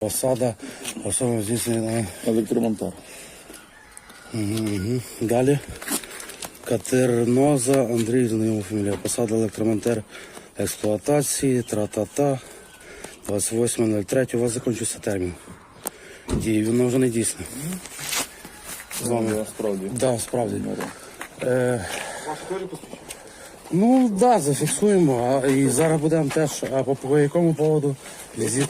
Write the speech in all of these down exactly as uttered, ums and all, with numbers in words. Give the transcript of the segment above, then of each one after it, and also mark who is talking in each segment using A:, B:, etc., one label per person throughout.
A: Посада, особливо здійснює
B: електромонтар.
A: Угу, угу. Далі. Катерноза Андрій, знайома фамілія. Посада електромонтер експлуатації, тра-та-та. двадцять восьме третє у вас закінчився термін дії, воно вже не дійсне. З вами.
B: Да, справді.
A: Да, справді. Е, ну, так, да, зафіксуємо. А, і зараз будемо теж, а по, по якому поводу візит?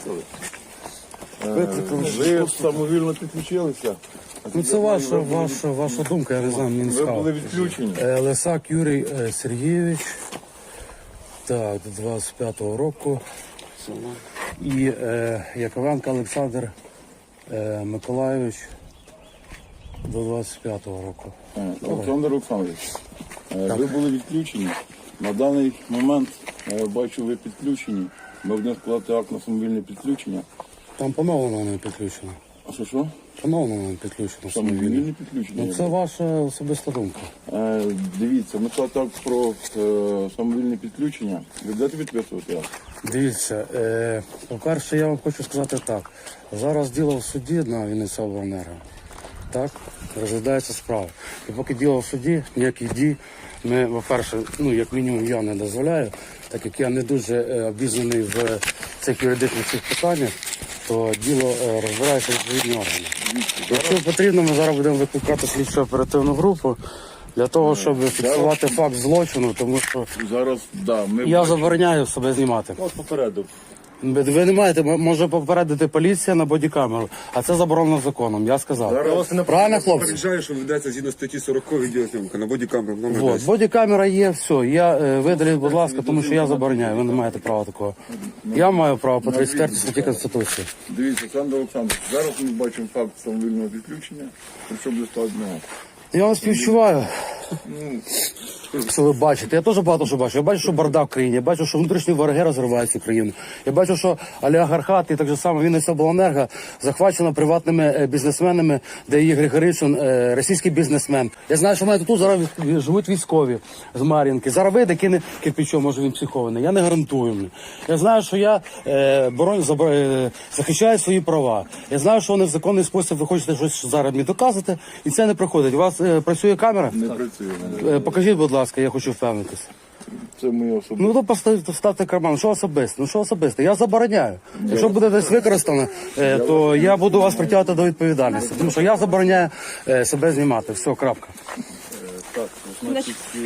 B: Ви самовільно підключилися.
A: Ну, це ваша, ваша, ваша думка, я не знаю, мені не
B: Ви
A: цікаво.
B: були відключені.
A: Е, Лисак Юрій е, Сергійович, так, до двадцять п'ятого року. І е, Яковенко Олександр е, Миколайович до двадцять п'ятого року.
B: Е, Олександр Олександрович, е, ви були відключені. На даний момент, я бачу, ви підключені. Ми будемо складати акт на самовільне підключення.
A: Там поновлено не підключено.
B: А що що?
A: Поновлено не підключено.
B: Самовільне підключення.
A: Ну, це ваша особиста думка.
B: Е, дивіться, ми складати акт про е, самовільне підключення. Ви будете підписувати акт?
A: Дивіться, е, по-перше, я вам хочу сказати так. Зараз діло в суді на Вінниця обленерго. Так, розглядається справа. І поки діло в суді, ніяких дій ми, по-перше, ну, як мінімум, я не дозволяю, так як я не дуже е, обізнаний в цих юридичних цих питаннях, то діло е, розбирається відповідні органи. Якщо потрібно, ми зараз будемо викликати слідчу оперативну групу для того, щоб фіксувати факт злочину, тому що
B: Зараз, да, ми
A: я забороняю себе знімати.
B: От попередив.
A: Ви не маєте, може попередити поліція на бодікамеру, а це заборонено законом, я сказав. Правильно, хлопці?
C: Попереджаю, що ведеться згідно статті сорок відеозйомка на бодікамеру. номер
A: Вот,
C: десять.
A: бодікамера є, все. Я е, видаліть, будь ласка, тому що я забороняю. Ви не маєте права такого. Я маю право по тридцять четвертій статті Конституції.
B: Дивіться, Олександр Олександрович, зараз ми бачимо факт самовільного відключення, причому до складного.
A: Я вам співчуваю. Що ви бачите? Я теж багато що бачу. Я бачу, що бардак в країні, я бачу, що внутрішні вороги розривають цю країну. Я бачу, що олігархат і так же само Вінниця обленерго захвачено приватними е, бізнесменами, де є Григоришин, е, російський бізнесмен. Я знаю, що в мене тут зараз від- живуть військові з Мар'їнки. Зараз вийде, кине кирпичом, може він психований. Я не гарантую. Мені. Я знаю, що я е, бороню, забор- е, захищаю свої права. Я знаю, що вони в законний спосіб ви хочете щось зараз мені доказати, і це не проходить. У вас е, працює камера?
B: Не працює.
A: Е, покажіть, будь ласка, я хочу впевнитися.
B: Це моє особисте.
A: Ну, то поставте, вставте карман. Що особисто? Ну, що особисто? Я забороняю. Якщо буде десь використано, е, то я буду вас притягувати до відповідальності. Тому що я забороняю е, себе знімати. Все, крапка.
D: Так, значить, е,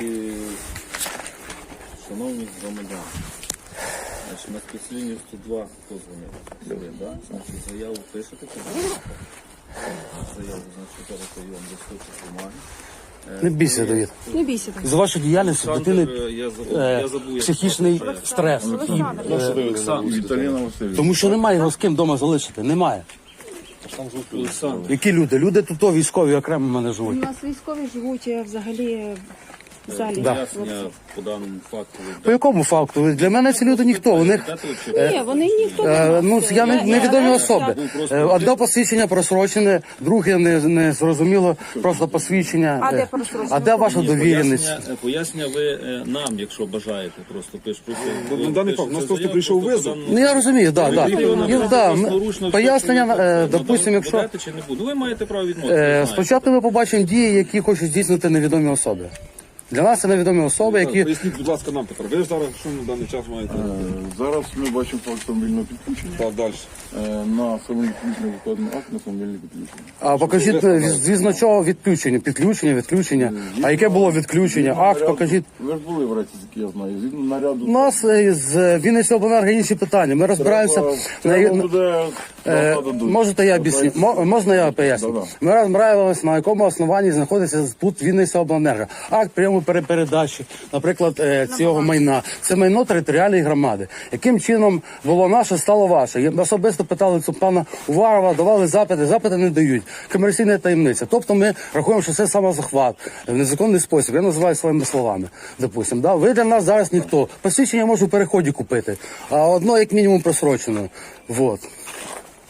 D: шановні громадяни, значить, на спецлінію сто два позвонив, да? Значить, заяву пишете, заяву, значить, зараз я вам листочок бумаги.
A: Не бійся, Давид.
E: Не бійся так.
A: З вашої діяльності
D: Олександр,
A: дитини
D: е, я забув,
A: е,
D: я забув, як
A: психічний стрес.
D: Олександр,
B: Віталіна Васильівна.
A: Тому що немає його з ким вдома залишити. Немає.
D: Олександр,
A: Які люди? Люди тут то військові окремо в мене
E: У
A: живуть.
E: нас військові живуть е, взагалі в залі.
D: пояснення по даному факту. ви
A: По якому факту? Для мене ці люди ніхто. У них
D: дати чи
E: Ні, вони ніхто не
A: Е, ну,
E: знає.
A: я не, невідомі особи. Е, Одне посвідчення просрочене, друге не, не зрозуміло, просто посвідчення.
E: А де
A: Е,
E: просрочене?
A: А де ваша
D: Ні,
A: довіреність?
D: Пояснення, пояснення ви е, нам, якщо бажаєте, просто пиш. Просто,
C: на даний факт, у нас просто прийшов визов.
A: Ну я розумію, так, так.
D: Ну,
A: Да, м- пояснення, е, допустимо, якщо
D: Будете чи не буде? Ви маєте право відмовити.
A: е,
D: ви знаєте.
A: спочатку ми побачимо дії, які хочуть здійснити невідомі особи. Для нас це невідомі особи, які
C: Поясніть, будь ласка, нам, Петро. Ви ж зараз що на даний час маєте?
B: Е, Зараз ми бачимо факт самовільного підключення.
C: Так, далі.
B: Е, На самовільне підключення викладено акт на самовільне підключення.
A: а покажіть е, звісно чого відключення, підключення, відключення. А яке було відключення? Акт
B: Наряду-
A: покажіть.
B: Ви ж були в Рецьки, я знаю. Згідно наряду.
A: У нас е, з Вінниця обленерго інші питання. Ми розбираємося
B: Треба-
A: на
B: треба буде
A: Е,
B: дадуть.
A: можете я об'ясню? Мо- Можна я поясню?
B: Да-да.
A: Ми розбираємося, на якому основанні знаходиться тут Вінниця обленерго. Акт прийому пере- передачі, наприклад, е, цього майна. Це майно територіальної громади. Яким чином було наше, стало ваше? Я особисто питали цю пана Уварова, давали запити, запити не дають. Комерційна таємниця. Тобто ми рахуємо, що це самозахват в незаконний спосіб. Я називаю своїми словами. Допустим, да? Ви для нас зараз ніхто. Посвідчення можу в переході купити, а одно як мінімум просрочено. Вот.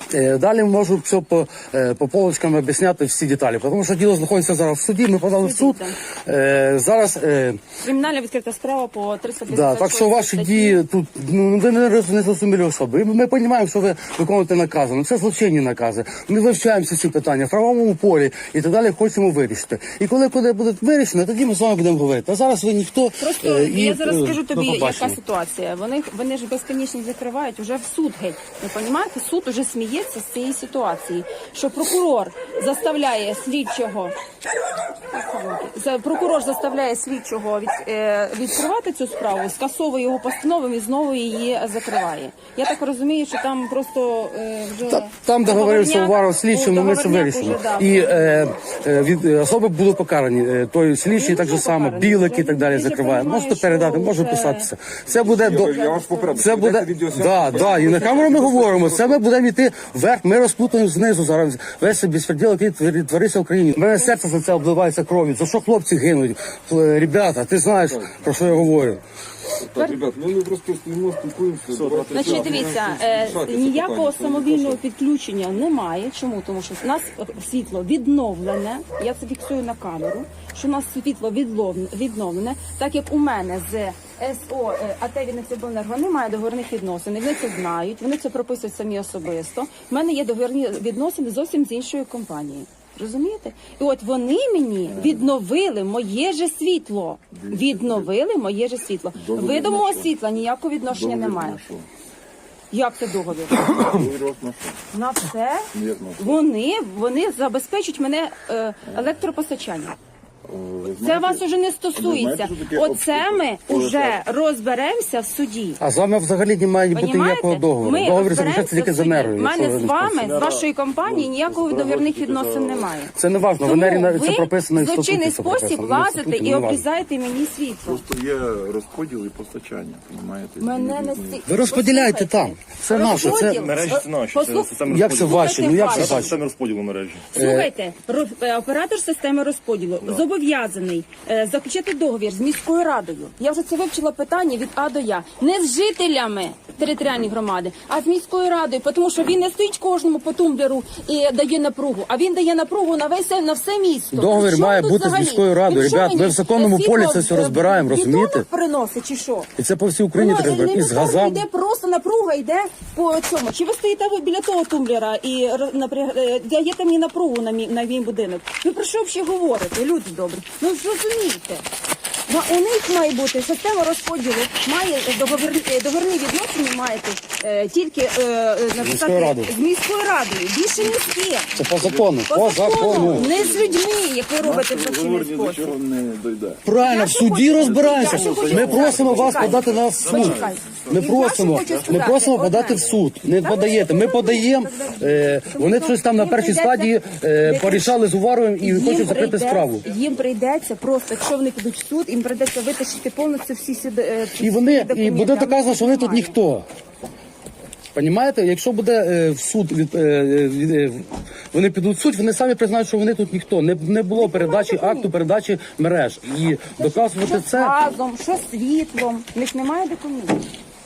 A: Е, Далі можу все по, е, по полочкам об'ясняти всі деталі, тому що діло знаходиться зараз в суді, ми подали в суд. Е, Зараз е,
E: Кримінальна відкрита справа по триста п'ятдесят
A: да, так що ваші дії тут, ну ви не, роз- не зрозумілі особи. Ми, ми розуміємо, що ви виконуєте накази, ну це злочинні накази. Ми вивчаємо всі ці питання в правовому полі і так далі хочемо вирішити. І коли коли буде вирішено, тоді ми з вами будемо говорити. А зараз ви ніхто.
E: Просто
A: е, і,
E: я зараз
A: е,
E: скажу
A: до
E: тобі,
A: побачення.
E: яка ситуація. Вони вони ж безконечно закривають уже в суд геть. Ви розумієте? Суд уже сміється з цієї ситуації, що прокурор заставляє слідчого. За- Прокурор заставляє слідчого від, е, відкривати цю справу, скасовує його постанову і знову її закриває. Я так розумію, що там просто е, вже
A: Та- Там договорився
E: договорняк-
A: Уваров слідчим, ми це
E: договорняк
A: вирішимо.
E: уже, да,
A: І е, е, від е, особи були покарані. Е, той слідчий
E: Він
A: так
E: вже
A: же само,
E: покараний.
A: білик і
E: Вже
A: так далі
E: він вже
A: закриває.
E: понімає,
A: Можете передати,
E: що
A: може
E: вже-
A: писатися. Це буде до
C: Я вас попереду.
A: це буде да, да, і на камеру ми говоримо. Це ми будемо йти вверх. Ми розплутаємо знизу зараз. Весь цей безпреділ, який твір- твориться в Україні. У мене серце за це обливається кров'ю. За що хлопці гинуть? Е, Ребята, ти знаєш про що я говорю?
C: Так, ребят, ну ми просто стоїмо, спілкуємося. брати
E: Значить,
C: час.
E: дивіться, е,
C: Рішайте це
E: ніякого
C: питання.
E: самовільного підключення немає. Чому? Тому що у нас світло відновлене. Я це фіксую на камеру. Що у нас світло відлов- відновлене, так як у мене з СО е, АТ Вінницябленерго немає договірних відносин. Вони це знають, вони це прописують самі особисто. У мене є договірні відносини зовсім з іншою компанією. Розумієте? І от вони мені відновили моє же світло. Відновили моє же світло. Видимого світла ніякого відношення немає. Як це договір? На все вони, вони забезпечують мене е, електропостачання. Це вас уже не стосується. Оце ми вже розберемося в суді.
A: А з вами взагалі немає бути
E: Понімаєте?
A: ніякого договору.
E: Ми
A: Договір
E: розберемося
A: заключається тільки
E: в
A: з
E: суді.
A: енергою.
E: У
A: якщо
E: мене
A: ви
E: з
A: не
E: вами,
A: спорите.
E: з вашої компанії, ніякого договірних відносин немає.
A: Це не важливо. В
E: Тому
A: енергії навіть це
E: ви
A: прописано і в
E: в злочинний
A: статуті це
E: спосіб
A: прописано.
E: лазите
A: В статуті
E: і
A: не важливо.
E: обрізаєте мені світло.
B: Просто є розподіл і постачання, розумієте?
E: Мене не сті...
A: Ви розподіляйте там. Це наше. Це
E: Розподіл.
F: Мережі це наші, це
E: Послух-
F: система
A: як це
F: розподілу.
A: ваші? Ну як це
E: Слухайте,
A: ваші?
F: Система розподілу мережі.
E: Слухайте, ро- е, оператор системи розподілу зобов'язаний е, заключити договір з міською радою. Я вже це вивчила питання від А до Я. Не з жителями територіальної громади, а з міською радою, тому що він не стоїть кожному по тумблеру і дає напругу, а він дає напругу на весь на все місто.
A: Договір
E: При чому
A: має
E: тут
A: бути з
E: взагалі?
A: міською радою.
E: Він що
A: Ребят,
E: мені,
A: ми в законному
E: світло
A: полі це все
E: в-
A: розбираємо,
E: в бетонах
A: розумієте?
E: приносить чи що?
A: І це по всій Україні
E: Воно
A: треба і з
E: елементарно
A: газами.
E: йде просто напруга, йде по цьому. Чи ви стоїте ви біля того тумблера і р- напряг- е, даєте мені напругу на мій, на мій будинок? Ви про що взагалі говорите, люди добрі? Ну ж розумієте. Ну, у них має бути система розподілу, має договірні, е, договірні відносини маєте е, тільки е, е, написати
A: радою.
E: з міською радою. Більше ні з ким.
A: Це по закону.
E: По
A: По
E: закону,
A: закону.
E: не з людьми, як ви робите в злочинний
B: Говорні до
E: спосіб.
B: чого не дойде.
A: Правильно, в суді розбираємося.
E: Я ще хочу
A: Ми
E: сказати,
A: просимо вас
E: почекайте.
A: подати нас в суд.
E: Почекайте.
A: Ми
E: І я
A: просимо,
E: ще хочу
A: ми
E: сказати
A: просимо
E: одне.
A: подати в суд. Не
E: Та
A: подаєте.
E: ви
A: Ми
E: що
A: подаємо. е, Вони щось там на першій стадії е, порішали з Уваровим і хочуть закрити
E: прийде-
A: справу.
E: Їм прийдеться просто, якщо вони підуть в суд, їм прийдеться витащити повністю всі сюди. е,
A: І вони і
E: документи.
A: буде доказано, що вони тут
E: Немає.
A: ніхто. Понімаєте, якщо буде е, в суд від, е, від е, вони підуть в суд, вони самі признають, що вони тут ніхто. Не, не було передачі акту, передачі мереж. І доказувати
E: Що з
A: це.
E: газом, що з світлом. В них немає документів.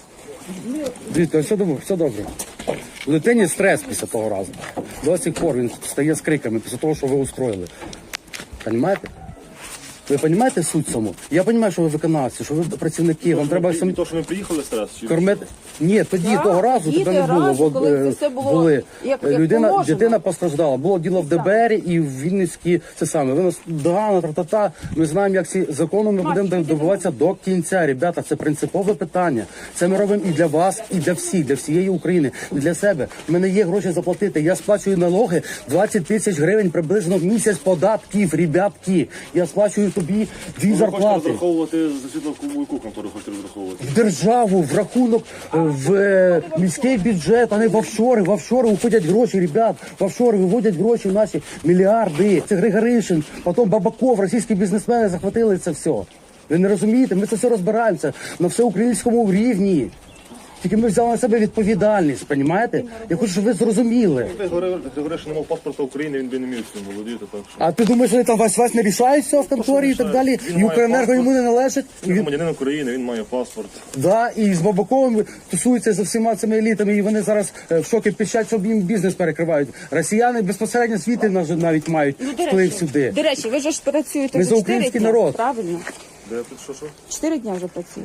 A: Дивіться, все добре, все добре. У дитині стрес після того разу. До сих пор він стає з криками після того, що ви устроїли. Понімаєте? Ви розумієте суть саму? Я розумію, що ви виконавці, що ви працівники, вам треба самі
F: То, що ми приїхали стрес, чи
A: кормити. Ні, тоді
E: Так,
A: того разу
E: тоді
A: тебе не було.
E: разу,
A: бо,
E: коли
A: е,
E: це все було
A: були.
E: як-
A: Е,
E: як
A: Людина,
E: положено.
A: дитина постраждала. Було діло в ДБР і в Вінницькій, це саме. Ви нас догана, тра-та-та. Ми знаємо, як ці закони ми будемо добиватися до кінця. Ребята, це принципове питання. Це ми робимо і для вас, і для всіх, для всієї України, і для себе. У мене є гроші заплатити. Я сплачую налоги двадцять тисяч гривень приблизно в місяць податків, ребятки. Я сплачую тобі дві
F: ви хочете
A: зарплати.
F: розраховувати за світло яку контору хочете розраховувати?
A: В державу, в рахунок, е, в е, міський бюджет, а не в офшори. В офшори уходять гроші, ребят. В офшори виводять гроші наші мільярди. Це Григоришин, потім Бабаков, російські бізнесмени захватили це все. Ви не розумієте? Ми це все розбираємося на всеукраїнському рівні. Тільки ми взяли на себе відповідальність, розумієте? Я хочу, щоб ви зрозуміли.
F: Ти говориш, що не мав паспорта України, він би не міг цим володіти, так що.
A: А ти думаєш, вони там весь весь не рішають все в конторі і так далі?
F: Він
A: І
F: має
A: Укренерго
F: паспорт.
A: йому не належить? І
F: Він
A: він,
F: громадянин України, він має паспорт.
A: да, і з Бабаковим тусуються за всіма цими елітами, і вони зараз е, в шокі пищать, щоб їм бізнес перекривають. Росіяни безпосередньо світи навіть мають
E: Ну, до
A: вплив
E: речі,
A: сюди.
E: до речі, ви ж працюєте
A: Ми
E: вже
A: за
E: чотири
A: український
E: дня,
A: народ.
E: правильно?
F: Де тут що що?
E: Чотири дня вже працює.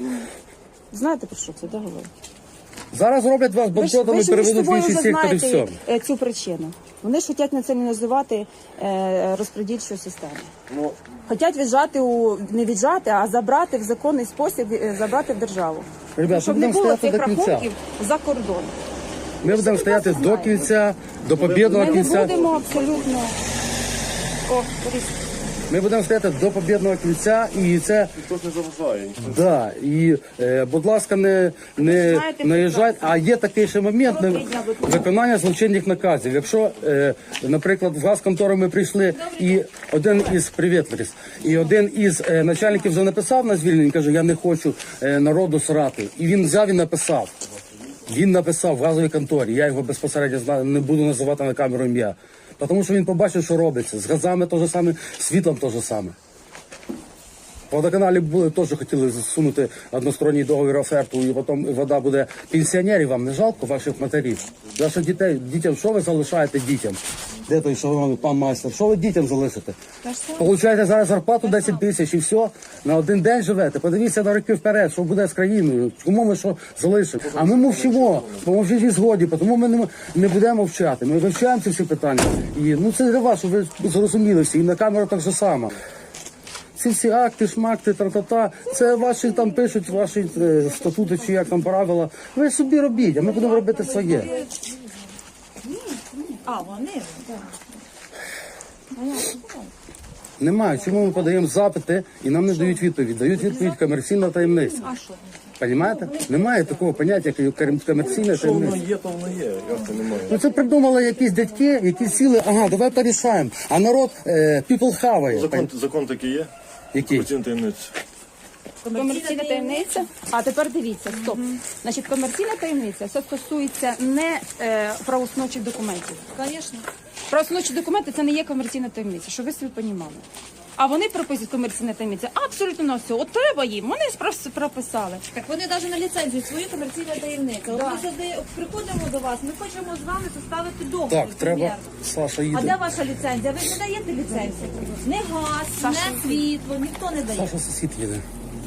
E: Знаєте про що це, да, говорить?
A: Зараз роблять вас
E: Ви ж,
A: банкротами,
E: ви ж між
A: переведуть в
E: собою
A: інший
E: вже
A: сектор і все.
E: знаєте е, цю причину. Вони ж хочуть націоналізувати е, розподільчу систему.
F: Ну,
E: Хочуть віджати у не віджати, а забрати в законний спосіб, е, забрати в державу.
A: Ребят,
E: Щоб
A: ми
E: не
A: будемо
E: було
A: стояти
E: цих
A: до кінця.
E: рахунків за кордон.
A: Ми будемо стояти до
E: знаєте.
A: кінця, до побєдного
E: Ми не
A: кінця.
E: будемо абсолютно. О, Борис.
A: Ми будемо стояти до побєдного кінця, і це
F: ніхто ж не заважає. ніхто-
A: да. І, е, будь ласка, не, не
E: знаєте,
A: наїжджайте. А є такий ще момент не,
E: Добрий день, будь ласка.
A: виконання злочинних наказів. Якщо, е, наприклад, в газконтору ми прийшли, і один із привіт, Ларис, і один із е, начальників вже написав на звільнення, каже, я не хочу е, народу срати. І він взяв і написав. Він написав в газовій конторі. Я його безпосередньо знаю, не буду називати на камеру ім'я. Тому що він побачив, що робиться. З газами те ж саме, з світлом те ж саме. В водоканалі були, теж хотіли засунути односторонній договір оферту, і потім вода буде пенсіонерів. Вам не жалко ваших матерів? Ваших дітей, дітям, що ви залишаєте дітям? Де той, що ви, пан майстер? Що ви дітям залишите? Получаєте зараз зарплату десять тисяч і все, на один день живете. Подивіться на роки вперед, що буде з країною, кому ми що залишимо. А ми мовчимо, бо ми вже зі згоді, тому ми не, не будемо мовчати. Ми вивчаємо ці всі питання. І ну це для вас, щоб ви зрозуміли всі, і на камеру так же само. Ці всі акти, шмакти, тра-та-та, це ваші там пишуть, ваші е, статути чи як там правила. Ви собі робіть, а ми будемо робити своє.
G: А, вони?
A: Немає. Чому ми подаємо запити і нам не дають відповідь? Дають відповідь комерційна таємниця. Понімаєте? Немає такого поняття, як ком- комерційна таємниця.
F: Є, то воно є. Як це немає?
A: Ну це придумали якісь дядьки, які сіли, ага, давай порішаємо. А народ е, people хаває.
F: Закон, закон такий є.
A: Який?
F: Комерційна таємниця.
E: Комерційна таємниця. А тепер дивіться, стоп. Значить, комерційна таємниця все стосується не е, правоустановчих документів.
G: Звісно.
E: Правоустановчі документи це не є комерційна таємниця, щоб ви собі понімали. А вони прописують комерційна таємниця абсолютно на все. От треба їм, вони спрос- прописали.
G: Так вони навіть на ліцензію свою комерційна таємниця. От ми сюди приходимо до вас, ми хочемо з вами составити договір.
A: Так, треба,
G: примірно.
A: Саша
G: А де
A: їде.
G: ваша ліцензія? Ви ж не даєте ліцензію. Не газ, не світло, ніхто не дає.
A: Саша сусід їде.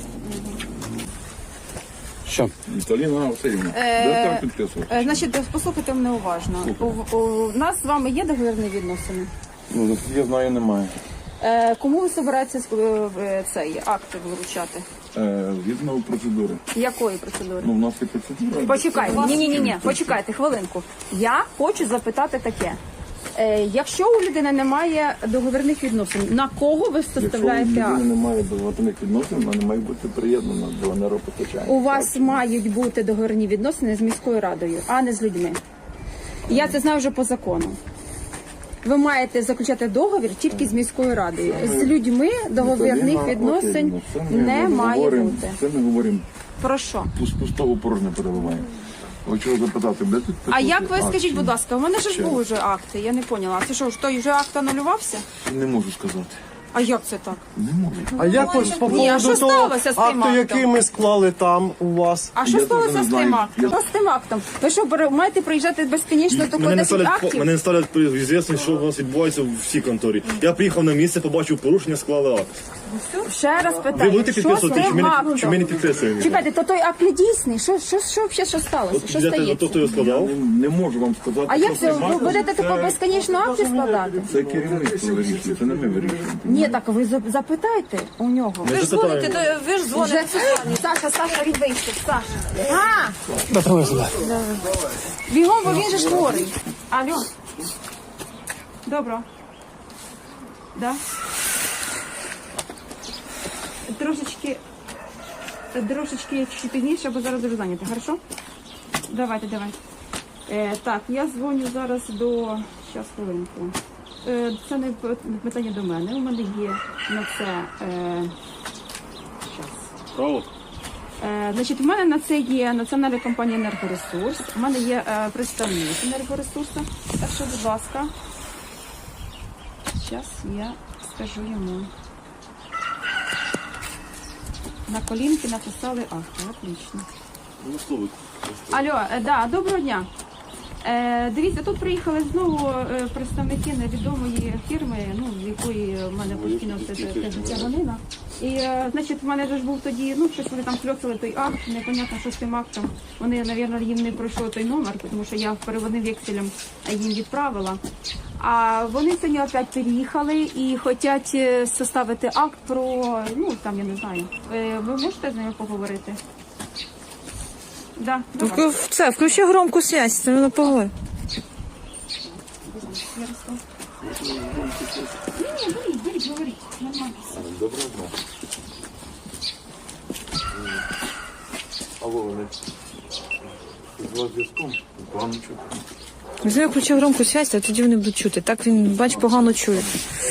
A: Що?
B: Віталіна Васильівна, де там підписувати?
E: Е, значить, послухайте мене уважно. У, у нас з вами є договірні відносини.
B: Ну, наскільки я знаю, немає.
E: Е, кому ви збираєтеся е, е, цей акти вручати?
B: Е, Згідно процедури.
E: Якої процедури?
B: Ну, в нас є процедура.
E: Почекайте, ні, ні, ні, ні, почекайте хвилинку. Я хочу запитати таке. Е, якщо у людини немає договірних відносин, на кого ви
B: Якщо у
E: составляєте
B: людини
E: акт?
B: немає договорних відносин, вона не має бути приєднана до енергопостачання.
E: У вас мають бути договірні відносини з міською радою, а не з людьми. Я це знаю вже по закону. Ви маєте заключати договір тільки з міською радою. З людьми договірних
B: Віталіна
E: відносин
B: Васильівна, це ми
E: не має
B: говоримо-
E: бути.
B: Це ми говоримо,
E: Про що?
B: з пустого порожнє переливаємо. Хочу запитати, де тут
E: А як ви
B: підписувати
E: скажіть,
B: акт?
E: будь ласка, у мене ж були вже акти, я не поняла. А це що, ж той вже акт анулювався?
B: Не можу сказати.
E: А як це так?
B: Не можу.
H: А як ось по
E: Ні, а
H: поводу
E: що
H: того
E: сталося з тим
H: акту,
E: актом?
H: який ми склали там у вас?
E: А що
B: Я
E: сталося
B: теж не
E: з тим
B: знаю.
E: актом?
B: Я-
E: Що з тим актом? Ви що, бере- маєте приїжджати безконечно до
F: Мене не
E: десять
F: ставлять,
E: актів?
F: мене не ставлять при звісність, що у вас відбувається в всій конторі. Я приїхав на місце, побачив порушення, склали акт.
E: Ще раз
F: Ви
E: питаю,
F: будете
E: що з
F: підписувати, чи
E: тим
F: ми не,
E: актом?
F: чи ми не підписуємо?
E: Чекайте, то той акт не дійсний. Що, що, що, взагалі, що сталося? Що
F: Я те-
E: стається?
F: то, хто його складав?
B: Не, не можу вам сказати.
E: А
B: що
E: як це? Ви будете тако безконечно акти складати?
B: Це керівництво вирішує, це не ми вирішуємо.
E: Ні, так ви за- запитайте у нього.
G: Ви ж дзвоните, до- ви ж
E: Вже
G: дзвоните.
E: Саша, Саша, він вийшов, Саша. А! Бігом, бо він же ж хворий. Алло. Добро. Да? Трошечки, трошечки чуть пізніше, бо зараз дуже зайнято, хорошо? Давайте, давайте. Е, так, я дзвоню зараз до... Щас, хвилинку. Е, це не п- питання до мене. У мене є на це... Е... Щас.
F: Право?
E: Е, значить, у мене на це є національна компанія «Енергоресурс», у мене є е, представник «Енергоресурсу». Так що, будь ласка, зараз я скажу йому. На колінки написали акти, отлично. Алло, е, да, доброго дня. Е, дивіться, тут приїхали знову е, представники невідомої фірми, ну, з якої в мене постійно все це тяганина. І, е, значить, в мене ж був тоді, ну, щось вони там кльоцали той акт, непонятно, що з тим актом. Вони, мабуть, їм не пройшов той номер, тому що я переводним векселем їм відправила. А вони сьогодні опять переїхали і хочуть е, составити акт про, ну, там, я не знаю. Е, ви можете з ними поговорити? Да, давай.
I: Ну, Це, включи громку связь, це воно поговори.
E: Ярослав. Ні, ні, беріть, беріть, говоріть. Нормально.
B: Доброго дня. Алло, вони з вас зв'язком? Погано чути.
I: Візьми, включи громку связь, а тоді вони будуть чути. Так він, бач, погано чує.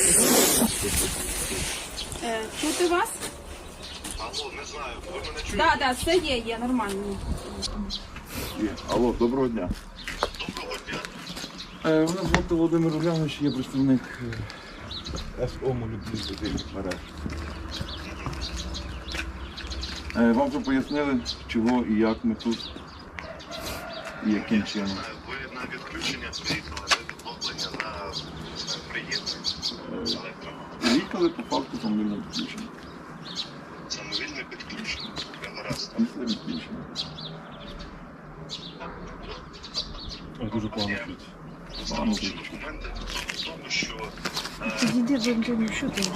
E: Е, чути вас?
B: Алло, не знаю, ви мене чуєте?
E: Так, так, все є, є, нормально.
B: Є. Алло, доброго дня. Доброго дня. Е, мене звати Володимир Улянович, я представник е, ес о «Молодіжних мереж». Е, вам вже пояснили, чого і як ми тут, і яким чином.
J: Ви на відключення приїхали, на відновлення, на приєднання.
B: Приїхали по факту самовільного підключення.
J: Самовільне підключення. Я гаразд.
B: Після відключення.
F: Дуже погано чути.
J: Встановчі документи в тому, що
I: Підійди, бо що ти?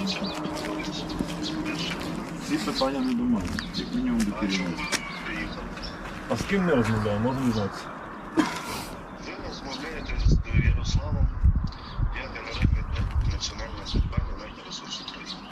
B: Ці питання не до мене, як мінімум до керівництва.
J: приїхали.
F: А з ким ми розмовляємо, можемо дізнатися?
J: Ви розмовляєте з Ярославом, я генеральний директор Національної компанії «Енергоресурс України».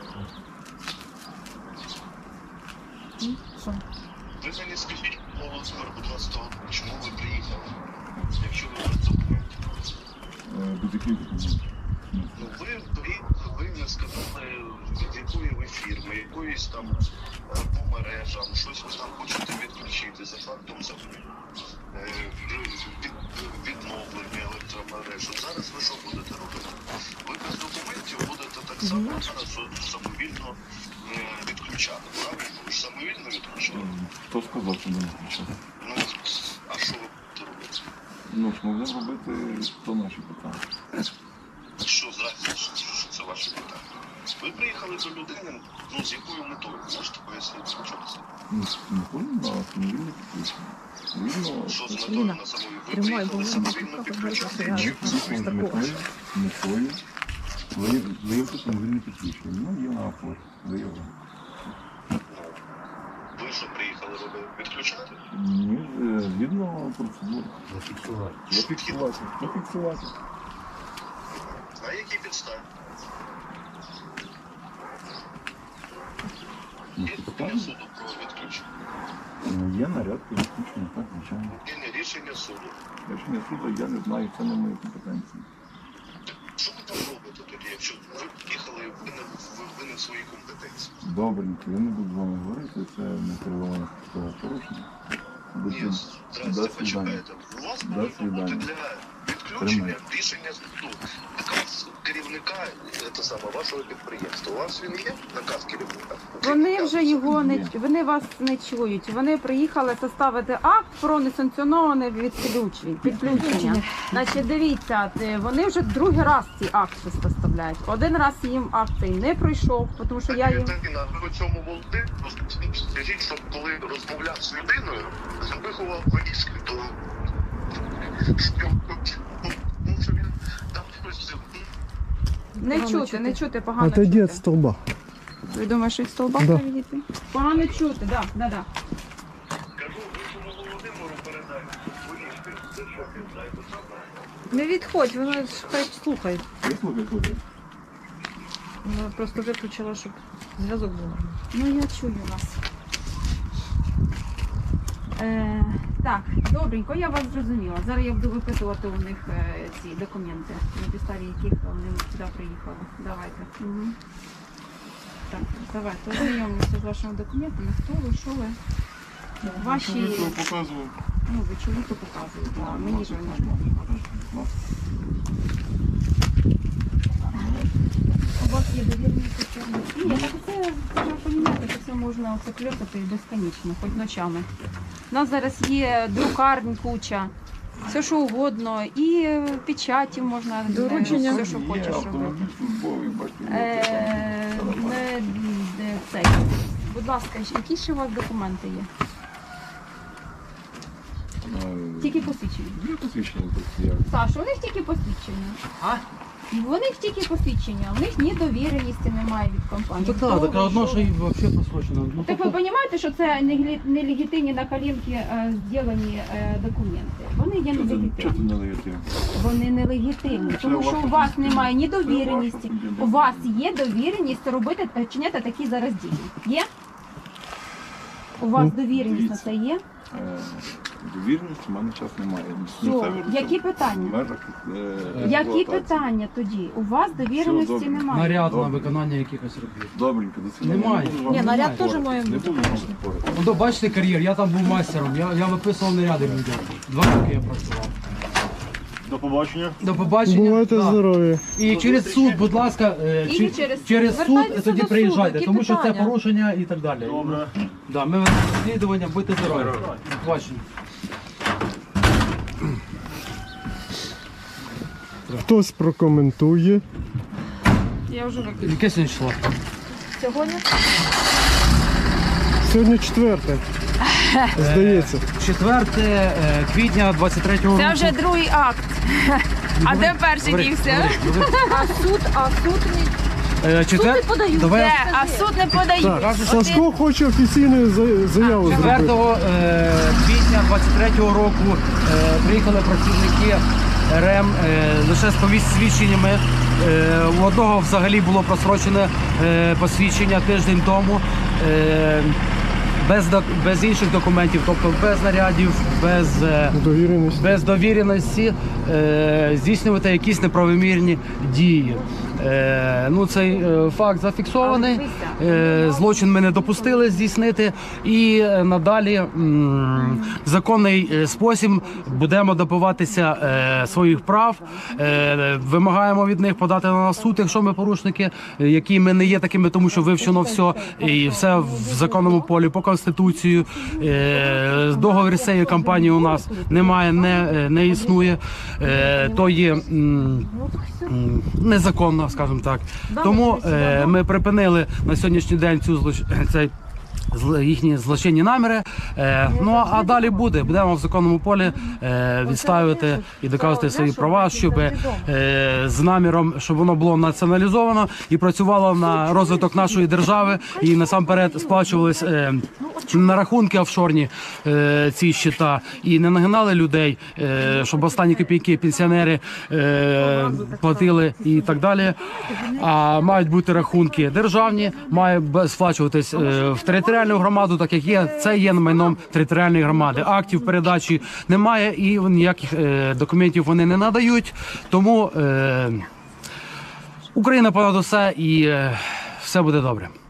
J: Ви мені скажіть, Володимир, будь ласка, чому ви приїхали? Якщо ви без документів.
B: Е, До яких документів?
J: Ну, ви, ви, ви не сказали, від якої ви фірми, якоїсь там е, по мережам, щось ви там хочете відключити за фактом закону. Е, від, відновлення електромереж. От зараз ви що будете робити? Ви без документів будете так само зараз от самовільно е, відключати, правильно? Ви ж самовільно відключали?
B: Хто сказав, що не відключати?
J: Ну, а що ви будете робити?
B: Ну, ж могли робити, то наші питання.
J: Що зразу, що це ваше питання? Ви приїхали до людини, ну, з якою метою? Можете пояснити спочатку?
B: Ну, не повинні на самовільне підключення. Вільно,
J: Що з метою на самої? Ви приїхали самовільно підключати?
B: ми приїхали з метою, метою вияв- виявити самовільне підключення. Ну, є на оплаті, виявлено.
J: Ви що приїхали робити? Відключати?
B: Ні, е, згідно процедури. Зафіксувати. Зафіксувати. Зафіксувати.
J: На якій підставі?
B: Ну,
J: Є
B: підстави.
J: рішення суду про відключення.
B: Ну, є наряд по відключенню, так, звичайно.
J: Є не рішення суду.
B: Рішення суду я не знаю, це не мої компетенції.
J: Що ви там робите тоді, якщо ви приїхали, ви не, ви, ви не в своїй компетенції?
B: Добренько, я не буду з вами говорити, це не керування порушення.
J: Ні, здрасте, почекайте. У вас
B: До
J: повинно
B: свидання.
J: бути для відключення
B: Тримай.
J: рішення суду. Наказ керівника це саме, вашого підприємства. У вас він є? Наказ керівника?
E: Вони вже його не вони вас не чують. Вони приїхали составити акт про несанкціоноване відключення. Підключення. Значить, дивіться, ти- вони вже другий раз ці акти составляють. Один раз їм акт цей не пройшов, тому що я їм.
J: Людина, ви у цьому Володимиру, скажіть, що коли розмовляв з людиною, запихував вирізки до тому що він там щось.
E: Не чути, не чути, погано
H: Отойди
E: чути.
H: від столба.
E: Ви думаєте, що від стовба
H: Да.
E: відійти? Погано чути, так, да, да, да.
J: Кажу, ви цьому Володимиру передайте вирізки, це що він знає, то саме.
I: Не відходь, воно ж хай слухає.
B: Я слухаю, слухаю.
I: Вона просто виключила, щоб зв'язок був.
E: Ну, я чую вас. Е, так, добренько, я вас зрозуміла. Зараз я буду випитувати у них е, ці документи, на підставі яких вони сюди приїхали. Давайте. Угу. Так, давайте ознайомимося з вашими документами. Хто ви, що ви? Ваші,
B: показував.
E: ну, ви чоловіку показуєте, а мені ж ви не можете. У вас є довірні працівники. Ні, так це треба розуміти, що це можна оце кльопати безконечно, хоч ночами. У нас зараз є друкарні куча, все що угодно, і печаті можна,
I: Доручення.
E: все що хочеш робити.
B: Автомобіль службовий, бачите.
E: Е, не, не цей. Будь ласка, які ще у вас документи є? Тільки посвідчення.
B: Є посвідчення тут, як?
E: Саша, у них тільки посвідчення. А? У них тільки посвідчення, у них ні довіреності немає від компанії.
A: Так,
E: Хто
A: так,
E: ви,
A: таке одно, що і взагалі просрочено. Ну,
E: Так ви розумієте, що це нелі- нелегітимні на коленки е, зроблені е, документи? Вони є
B: Чого ти
E: нелегітимні.
B: не легітимний?
E: Вони нелегітимні, тому що у вас немає ні довіреності. У вас є довіреність робити, е, чиняти такі зараз дії. Є? У вас довіреність на це є?
B: Е, Довіреності в мене час немає.
E: Все. Які питання?
B: В межах, е,
E: Які
B: експлуатації.
E: питання тоді? У вас довіреності
B: добре.
E: немає.
A: наряд на
B: Добре.
A: виконання якихось робіт.
B: Добренько, до свидання.
A: Немає.
B: Не буду вам
I: Ні, наряд
B: спорити.
I: теж має
B: Не
I: бути.
B: буду вам спорити.
A: Ну, то бачите кар'єр, я там був майстером, я, я виписував наряди людям. Два роки я працював.
F: До побачення.
A: До побачення.
H: Бувайте
A: Да.
H: здорові.
A: І через суд, будь ласка, е,
E: І
A: чи-
E: через-
A: через суд
I: Звертайтеся
A: тоді
I: до суду,
A: приїжджайте,
I: які
A: тому що це
I: питання?
A: порушення і так далі.
F: Добре.
A: Да, ми ведемо розслідування, будьте здорові. До побачення.
H: Хтось прокоментує.
E: Я вже викликала.
A: Яке сьогодні число?
E: Сьогодні?
H: Сьогодні четверте. Здається.
A: четверте е, квітня двадцять третього року.
E: Це вже другий акт. А де перший
A: Говори,
E: дівся?
A: говори, говори.
I: А суд, а суд не
A: Е, четвер...
I: подають.
A: Давай я-
E: Де? А суд не подають.
H: Так, Сашко хоче офіційну за- заяву зробити.
A: четвертого е, квітня двадцять третього року е, приїхали працівники РЕМ е, лише з посвідченнями. Е, у одного взагалі було просрочене е, посвідчення тиждень тому. Е, без, док- без інших документів, тобто без нарядів, без, е,
H: Довіреність.
A: без довіреності е, здійснювати якісь неправомірні дії. Е, ну, цей е, факт зафіксований. Е, злочин ми не допустили здійснити, і е, надалі м, в законний е, спосіб будемо добиватися е, своїх прав. Е, вимагаємо від них подати на нас суд, якщо ми порушники, е, які ми не є такими, тому що вивчено все і все в законному полі по конституцію. Е, договір з цією компанією у нас немає, не, е, не існує. Е, то є м, м, незаконно, скажімо так. Тому е, ми припинили на сьогоднішній день цю злоч... цей зл- їхні злочинні наміри. Е, ну а далі буде. Будемо в законному полі е, відставити і доказувати свої права, щоб е, з наміром, щоб воно було націоналізовано і працювало на розвиток нашої держави, і насамперед сплачувались е, на рахунки офшорні е, ці щита, і не нагинали людей, е, щоб останні копійки пенсіонери е, платили і так далі. А мають бути рахунки державні, має б- сплачуватись е, в територіальну громаду, так як є. Це є майном територіальної громади. Актів передачі немає і ніяких е, документів вони не надають. Тому е, Україна понад усе і е, все буде добре.